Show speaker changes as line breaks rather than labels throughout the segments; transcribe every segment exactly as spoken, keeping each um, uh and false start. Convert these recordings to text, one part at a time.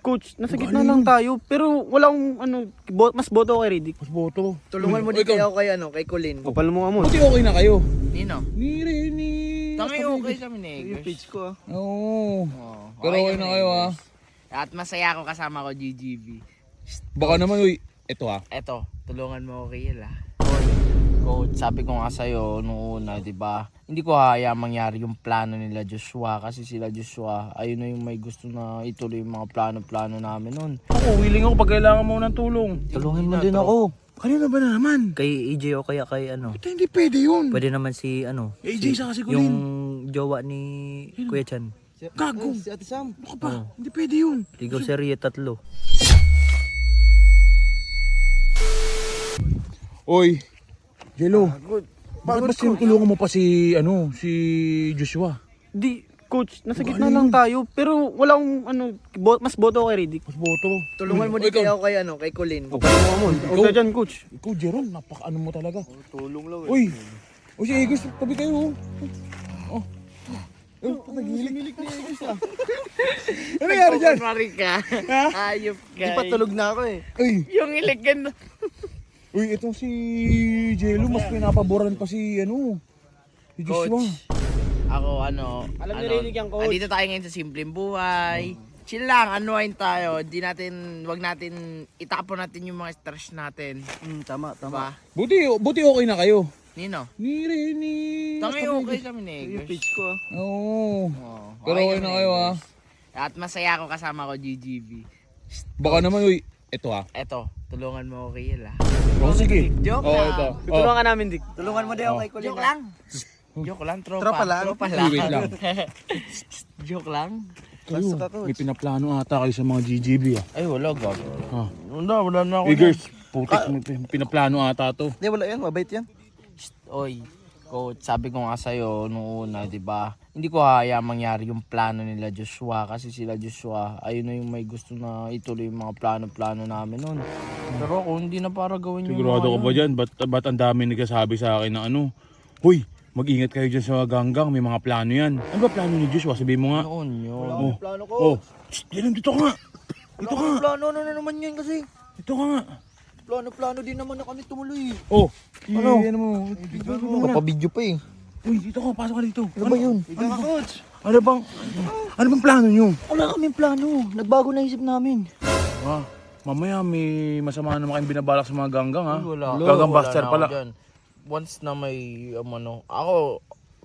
Coach, nasa gitna lang tayo, pero walang ano, bo- mas boto kay Riddick.
Mas boto.
Tulungan mo
Uy,
din
ikaw.
kayo kay ano, kay Colin.
Kapal mo nga mo.
Buti okay na kayo.
Nino?
Ni Rene.
Tangi okay kami ni
Yung
Eggers.
page ko ah.
Oo.
Oo,
Pero okay
kami
na
ni
kayo, ah.
Eggers. At masaya ako kasama ko G G B.
Baka naman, uy. Ito ah.
Eto, tulungan mo ako kay Yel ah. Coach, sabi ko nga sa'yo nung una, di ba? Hindi ko haya mangyari yung plano nila Joshua kasi sila Joshua, ayun na yung may gusto na ituloy yung mga plano-plano namin nun.
Ako, willing ako pag kailangan mo ng tulong.
Tulungin mo
Hindi na,
din
tro-
ako.
Kanina ba na naman?
Kay A J o kaya kay ano.
Ito hindi pwede yun.
Pwede naman si ano.
A J
si-
sa kasi
Yung
Colin.
jowa ni Kuya Chan.
Gago.
Si Ate Sam.
Ano ka ba?
Oo.
Hindi pwede yun.
Ligaw serye tatlo.
Oy, Jello. Bakit ba sinutulungan mo pa si, ano, si Joshua?
Di, coach, nasa gitna lang tayo, pero walang ano, bo- mas boto kay Riddick.
Mas boto.
Tulungan mo
Uy,
din kayo kay ano, kay Colin.
Kapal mo nga mo. Huwag ka dyan, coach.
Ikaw, Jeron, napaka-ano mo talaga.
Tulong lang
Uy! Uy, si Eggers, tabi kayo. Oh. Oh, patagilik. Ano nangyari dyan?
Mari ka. Ayop ka.
Di pa tulog na ako eh.
Uy,
Yung iligan.
uy, itong si Jello, mas pinapaboran pa si, ano, si Joshua.
Coach. Ako ano,
Alam ni
ano,
Riddick yan, coach.
andito tayo ngayon sa simpleng buhay. Chill lang, anuhin tayo. Di natin, wag natin, itapon natin yung mga stress natin.
Hmm, tama, tama.
Diba?
Buti, buti okay na kayo.
Nino?
Ni Rene.
Tangi okay kami ni
Yung
Eggers.
page ko ah.
Oo.
Oo,
Pero okay
kami
na
ni
kayo, ah.
Eggers. At masaya ako kasama ko G G B.
Baka naman, uy, ito ah.
Eto, tulungan mo ako kay Yel ah.
Oh, sige.
Joke
Oh,
lang.
ito.
Tutulungan ka namin, Dick.
Tulungan mo din ako kay Colin. Joke lang. Joke lang, tropa.
Tropa lang?
Tropa
Uy,
lang.
wait lang.
Joke lang.
Kayo, may pinaplano ata kayo sa mga G G B ah.
Ay, wala, gag.
Ah.
Wala, wala na ako.
Eggers, putik, may pin- pinaplano ata to.
Hindi, wala yan. Mabait yan.
Oy, coach, sabi ko nga sa'yo nung una, di ba? Hindi ko haya mangyari yung plano nila Joshua kasi sila Joshua, ayun na yung may gusto na ituloy yung mga plano-plano namin nun. Pero ako, hindi na para gawin yung
Sigurado ka
mga
ba
ano.
dyan? Ba't, ba't ang dami nagsasabi sa akin na ano? Huy, mag-ingat kayo dyan sa ganggang, may mga plano yan. Ano ba plano ni Joshua? Sabihin mo nga.
Noon yun.
Oh,
Plano ko.
oh, Shh, Dylan, dito ka nga. Dito ka nga.
Plano na naman yun kasi.
Dito ka nga.
Plano-plano din naman na kami tumuloy.
Oh,
Ano?
ano mo?
Papabidyo pa eh.
Uy, dito ka, pasok ka dito.
Ano ba yun?
Ano, coach? Ano bang, ano bang plano nyo?
Wala kaming plano. Nagbago na isip namin.
Ah, mamaya may masama naman kayong binabalak sa mga ganggang ha.
Wala.
Ganggang buster
Wala na
pala.
ako dyan. Once na may um, ano, ako,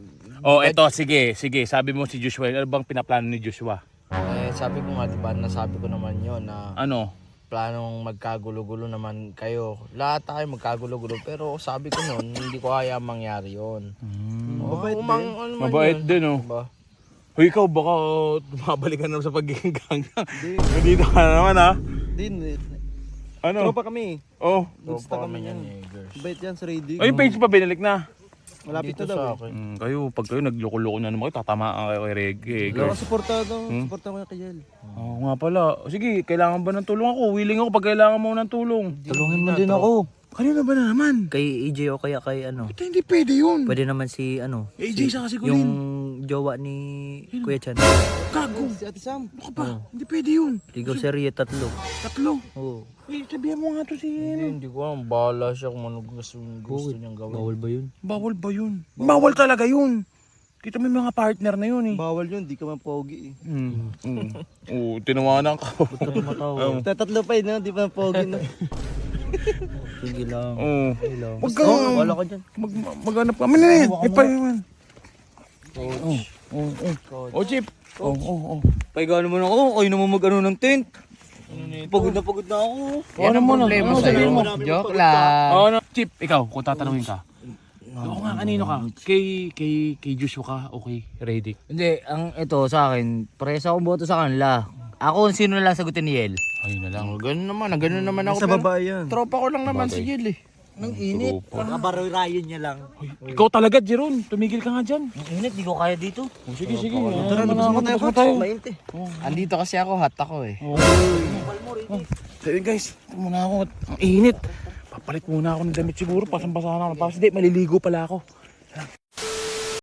Oh, eto, sige, sige. Sabi mo si Joshua, ano bang pinaplano ni Joshua?
eh, sabi ko nga, diba, nasabi ko naman yon na
Ano?
planong magkagulo-gulo naman kayo. Lahat tayo magkagulo-gulo. Pero sabi ko noon, hindi ko kaya mangyari yun.
Hmm.
Oh, mabait umang, din. Ano man
Mabait
yun.
din, oh.
Diba?
Hoy, ikaw baka oh, tumabalik ka na sa pagiging ganggang. Nandito ka na naman ha.
Hindi,
Ano?
tropa kami.
Oh.
Tropa kami yan eh, girls.
Mabait yan sa Riddick.
Oh, yung page pa binalik na.
Malapit
Dito
na daw
sa
eh.
akin.
Mm, kayo, pag kayo nagloko-loko na naman kayo, tatamaan kayo kay Reggae.
Wala
girls.
ka supportado.
Hmm?
Supportan ko yung kay Yel.
Oo nga pala. Sige, kailangan ba ng tulong ako? Willing ako pag kailangan mo ng tulong.
Tulungin mo din ako.
Kanina ba na naman?
Kay A J o kaya kay ano.
Ito hindi pwede yun.
Pwede naman si ano.
A J sa kasi
Yung
Colin.
jowa ni Kuya Chan.
Gago.
Si Ate Sam.
Ano ka ba? Hindi pwede yun.
Ligaw serye tatlo.
Tatlo.
Oo.
Eh, sabihan mo nga to si...
Hindi, hindi ko alam. Bahala siya kung ano gusto, gusto niyang gawin.
Bawal ba yun?
Bawal ba yun? Bawal talaga yun. Kita mo yung mga partner na yun eh.
Bawal yun, di ka man pogi eh.
Mm. Mm. Oo, tinawanan ka.
Matawa.
Tatatlo pa eh, no? Di pa man pogi no?
Sige lang.
Oo.
Sige lang.
Huwag ka.
Wala ka dyan.
Mag, maghanap ka. Ano na yan? Ipa yun. Oo. Oo. Oo. Oh, Chip. Oo. Oo.
Paiga naman ako. Kayo naman mag-ano ng tent. Pagod na pagod na ako.
Yan ang
Ano mo na?
problema
Ano
sa'yo.
sabihin mo?
Joke lang.
Oo na. Chip, ikaw, kung tatanungin ka. Oo nga, kanino ka? Kay, kay, kay Joshua ka o kay Riddick?
Hindi, ang ito sa akin, parehas akong boto sa kanila. Ako sino na lang sagutin ni Yel.
Ayun na lang.
Oh, ganun naman, ah, ganun naman ako.
Sa
pero
babae yan.
Tropa ko lang naman
Bagay.
si Yel eh.
Nang init. Kabaroy-rayon niya lang.
Ikaw talaga, Jeron. Tumigil ka nga dyan.
Ang init, di ko kaya dito.
Oh, sige, sige.
Tara, labas mo tayo, coach. Mainti.
Andito kasi ako, hot ako eh.
So yun guys, ito muna ako. Ang init. Papalit muna ako ng damit siguro. Pasang-basa na ako. Kasi di, maliligo pala ako.